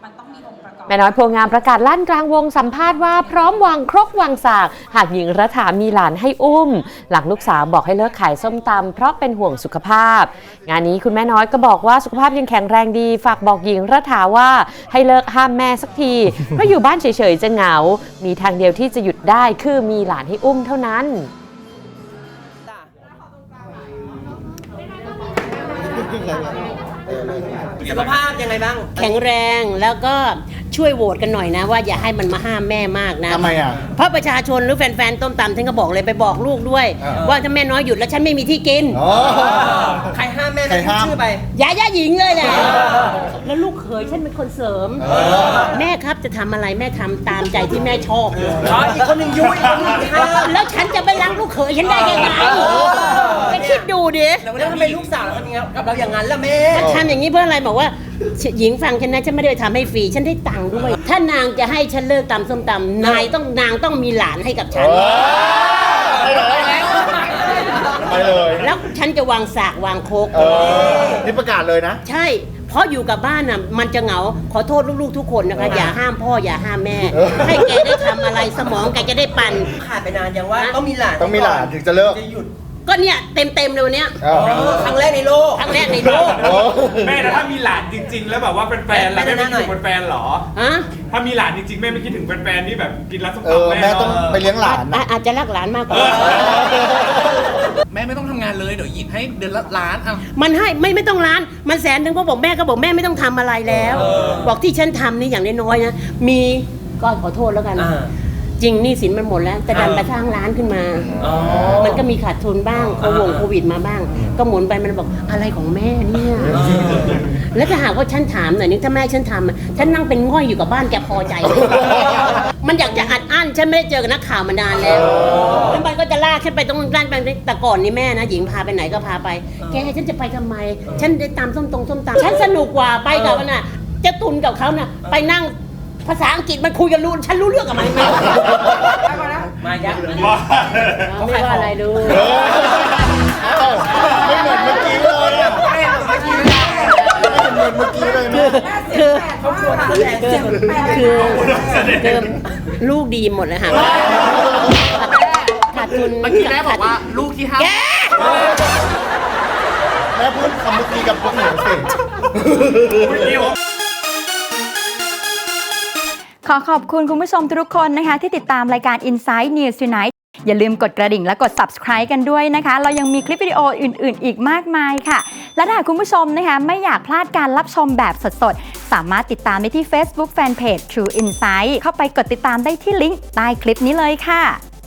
แม่น้อยโพงามประกาศลั่นกลางวงสัมภาษณ์ว่าพร้อมวางครกวางสากหากหญิงรัฐามีหลานให้อุ้มหลังลูกสาวบอกให้เลิกขายส้มตำเพราะเป็นห่วงสุขภาพงานนี้คุณแม่น้อยก็บอกว่าสุขภาพยังแข็งแรงดีฝากบอกหญิงรัฐาว่าให้เลิกห้ามแม่สักทีเพราะอยู่บ้านเฉยๆจะเหงามีทางเดียวที่จะหยุดได้คือมีหลานให้อุ้มเท่านั้นสุขภาพยังไงบ้างแข็งแรงแล้วก็ช่วยโหวตกันหน่อยนะว่าอย่าให้มันมาห้ามแม่มากนะทำไมอ่ะเพราะประชาชนหรือแฟนๆต้มตำฉันก็บอกเลยไปบอกลูกด้วยว่าถ้าแม่น้อยหยุดแล้วฉันไม่มีที่กินใครห้ามแม่ไม่พูดชื่อไปอย่าหญิงเลยแหละแล้วลูกเขยฉันเป็นคนเสริมแม่ครับจะทำอะไรแม่ทำตามใจที่แม่ชอบเลยอีกคนหนึ่งยุ้ยอีกคนหนึ่งห้ามแล้วฉันจะไปรักลูกเขยฉันได้ยังไงไปคิดดูดิแล้วทำไมลูกสาวเราทำกับเราอย่างนั้นล่ะแม่ทำอย่างนี้เพื่ออะไรบอกว่าหญิงฟังฉันนะฉันไม่ได้ทำให้ฟรีฉันได้ตังค์ด้วยถ้านางจะให้ฉันเลิกตำส้มตำนางต้องมีหลานให้กับฉันไปเลยแล้วฉันจะวางสากวางโคกนี่ประกาศเลยนะใช่เพราะอยู่กับบ้านน่ะมันจะเหงาขอโทษลูกๆทุกคนนะคะอย่าห้ามพ่ออย่าห้ามแม่ให้แกได้ทำอะไรสมองแกจะได้ปั่นขาดไปนานยังว่าต้องมีหลานถึงจะเลิกจะหยุดก็เนี่ยเต็มเลยวันเนี้ยครั้งแรกในโลกแม่ถ้ามีหลานจริงๆแล้วแบบว่าเป็นแฟนแล้วแม่ไม่คิดถึงเป็นแฟนหรอถ้ามีหลานจริงๆแม่ไม่คิดถึงเป็นแฟนที่แบบกินแล้วส้มตำแม่ต้องไปเลี้ยงหลานอาจจะรักหลานมากกว่าแม่ไม่ต้องทำงานเลยเดี๋ยวหยิบให้เดือนละล้านมันให้ไม่ต้องล้านมัน100,000นึงก็บอกแม่ไม่ต้องทำอะไรแล้วบอกที่ฉันทำนี่อย่างน้อยๆนะมีก็ขอโทษแล้วกันจริงนี่สินมันหมดแล้วแต่ดันไปสร้างร้านขึ้นมามันก็มีขาดทุนบ้างโควิดมาบ้าง ก็หมุนไปมันบอกอะไรของแม่เนี่ยแล้วถ้าหากว่าฉันถามหน่อยนึงถ้าแม่ฉันทำฉันนั่งเป็นง่อยอยู่กับบ้านแกพอใจมันอยากจะอัดอั้นฉันไม่ได้เจอกับนักข่าวมานานแล้วแล้วมันก็จะลากฉันไปตรงร้านไปแต่ก่อนนี่แม่นะหญิงพาไปไหนก็พาไปแกฉันจะไปทำไมฉันได้ตามส้มตำฉันสนุกกว่าไปกับมันน่ะจะตุนกับเขาน่ะไปนั่งภาษาอังกฤษมันคุยกันรู้ฉันรู้เรื่องกับมันไหมมายักษ์ไม่ว่าอะไรดูไม่เหมือนเมื่อกี้เลยไม่เหมือนเมื่อกี้เลยคือลูกดีหมดเลยค่ะขาดทุนเมื่อกี้แม่บอกว่าลูกที่ห้าแม่พูดคำเมื่อกี้กับพวกหนูสิขอขอบคุณคุณผู้ชมทุกคนนะคะที่ติดตามรายการ Inside News Tonight อย่าลืมกดกระดิ่งและกด Subscribe กันด้วยนะคะเรายังมีคลิปวิดีโออื่นๆอีกมากมายค่ะและถ้าคุณผู้ชมนะคะไม่อยากพลาดการรับชมแบบสดๆสามารถติดตามได้ที่ Facebook Fanpage True Insight เข้าไปกดติดตามได้ที่ลิงก์ใต้คลิปนี้เลยค่ะ